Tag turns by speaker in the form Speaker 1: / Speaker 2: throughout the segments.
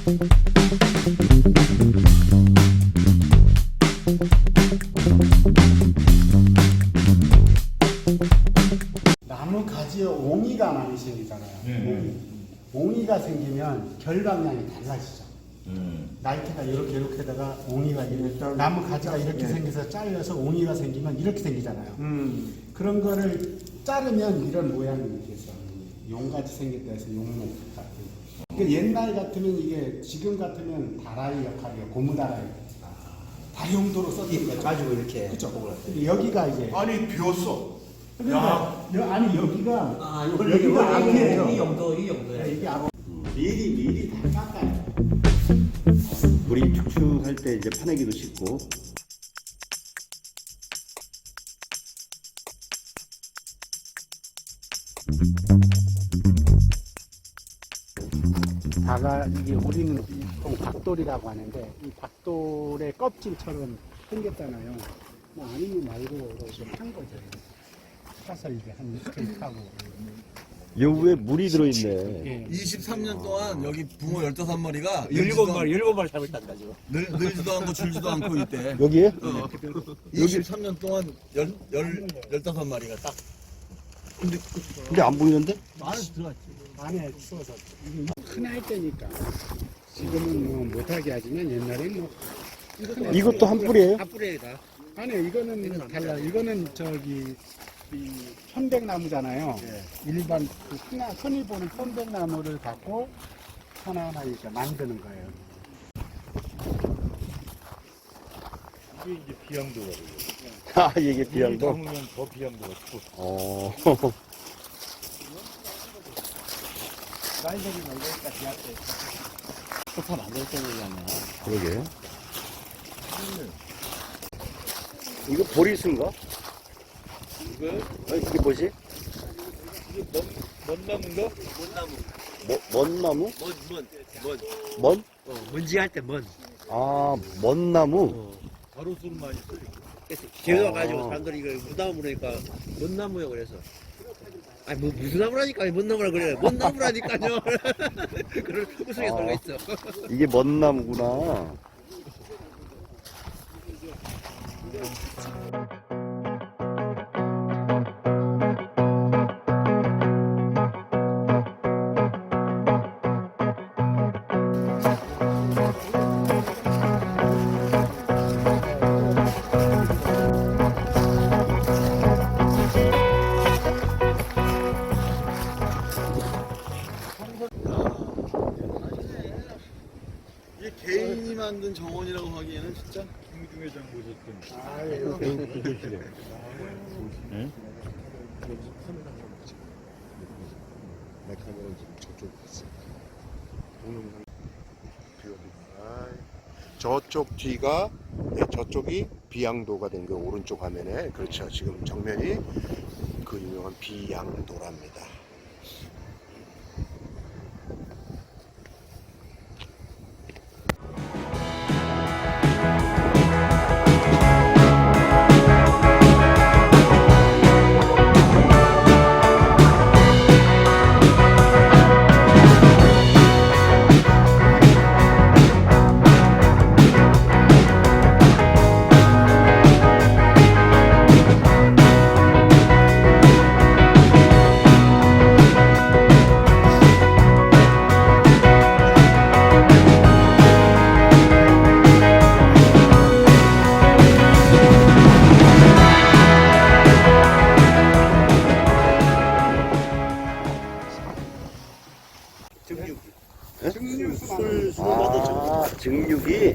Speaker 1: 나무 가지에 옹이가 많이 생기잖아요. 옹이가 생기면 결 방향이 달라지죠. 나이테가 이렇게다가 옹이가 이렇게, 나무 가지가 이렇게 생겨서 잘려서 옹이가 생기면 이렇게 생기잖아요. 그런 거를 자르면 이런 모양이 돼서 용같이 생겼다 해서 용목 같은. 그러니까 옛날 같으면 이게 지금 같으면 다라이 역할이에요. 고무다라이. 다용도로 썼던 거죠.
Speaker 2: 가지고 이렇게.
Speaker 1: 그렇죠. 여기가 이제
Speaker 3: 아니 비었어.
Speaker 1: 그러니까 아니 여기가
Speaker 2: 여기가
Speaker 1: 앞이에요.
Speaker 2: 이 정도야.
Speaker 1: 이게 앞. 미리 다 깎아요.
Speaker 4: 우리 축축할 때 이제 파내기도 쉽고.
Speaker 1: 다가 이게 우리는 보통 곽돌이라고 하는데 이 곽돌의 껍질처럼 생겼잖아요. 뭐 아니면 말고 좀 한 거죠. 사서 이제 한 이틀 타고.
Speaker 4: 여기에 물이 들어있네.
Speaker 1: 예.
Speaker 3: 23년 동안 여기 붕어 15마리가
Speaker 2: 17마리 잡았단다 지금.
Speaker 3: 늘지도 않고 줄지도 않고 있대.
Speaker 4: 여기에?
Speaker 3: 23년 동안 15마리가 딱.
Speaker 4: 근데 안 보이는데?
Speaker 3: 안에 들어갔지.
Speaker 1: 안에 추워서 이게 흔할 때니까 지금은 뭐 못하게 하지만 옛날에는 뭐
Speaker 4: 이것도 한 뿌리예요?
Speaker 2: 한 뿌리에 다.
Speaker 1: 아니 이거는 달라. 이거는 저기 이 편백나무잖아요. 일반 그 흔히 보는 편백나무를 갖고 하나하나 이렇게 만드는 거예요.
Speaker 5: 이게 이제 비양도가 돼요.
Speaker 4: 아, 이게 비양도?
Speaker 5: 담으면 더 비양도가 크고.
Speaker 4: 어.
Speaker 1: 나이들이 놀니까 비약돼.
Speaker 2: 소파 만들 때 얘기하면.
Speaker 4: 그러게. 이거 보리수인가? 이게 뭐지?
Speaker 5: 먼나무인가?
Speaker 4: 먼나무?
Speaker 2: 먼.
Speaker 4: 먼?
Speaker 2: 먼지 할 때 먼.
Speaker 4: 아, 먼나무?
Speaker 5: 가로수를 많이 써요.
Speaker 2: 그래서 개워가지고 사람들이 이거 무나무 그러니까 먼나무야 그래서. 아니 뭐 무슨 나무라니까 뭔 나무라 그래. 뭔 나무라니까요. 그걸 우스개 들어가 있어.
Speaker 4: 이게 먼나무구나.
Speaker 3: 이게 개인이 만든 정원이라고 하기에는 진짜.
Speaker 5: 김중회장 보셨던.
Speaker 1: 아유.
Speaker 5: 그러시래. 응?
Speaker 3: 내 카메라 지금 저쪽 있어. 동영상 저쪽 뒤가 저쪽이 비양도가 된 그 오른쪽 화면에 그렇죠. 지금 정면이 그 유명한 비양도랍니다.
Speaker 4: 아, 증육이?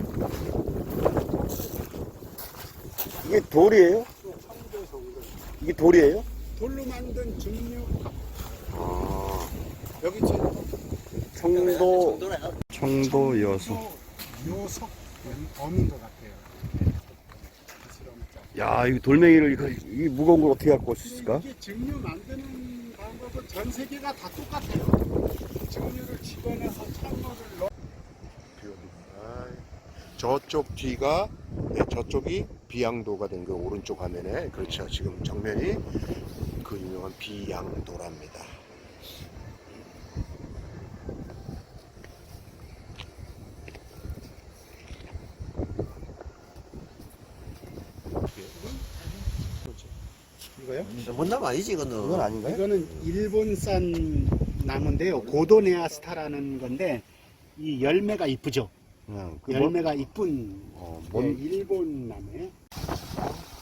Speaker 4: 이게 돌이에요? 이게 돌이에요?
Speaker 1: 돌로 만든 증류.
Speaker 4: 아,
Speaker 1: 여기 지금
Speaker 4: 청도 여수.
Speaker 1: 요석 어민도 같아요.
Speaker 4: 야, 이거 돌멩이를, 이 무거운 걸 어떻게 갖고 올 수 있을까?
Speaker 1: 이게 증류 만드는 방법은 전 세계가 다 똑같아요. 증류를 집어내서 찬물을 넣어.
Speaker 3: 저쪽 뒤가 저쪽이 비양도가 된 그 오른쪽 화면에 그렇죠. 지금 정면이 그 유명한 비양도랍니다.
Speaker 1: 이거요?
Speaker 2: 못나무 아니지 이거는.
Speaker 4: 그건 아닌가요?
Speaker 1: 이거는 일본산 나무인데요. 고도네아스타라는 건데 이 열매가 이쁘죠.
Speaker 4: 그
Speaker 1: 열매가 이쁜
Speaker 4: 뭔-
Speaker 1: 일본 나무예요.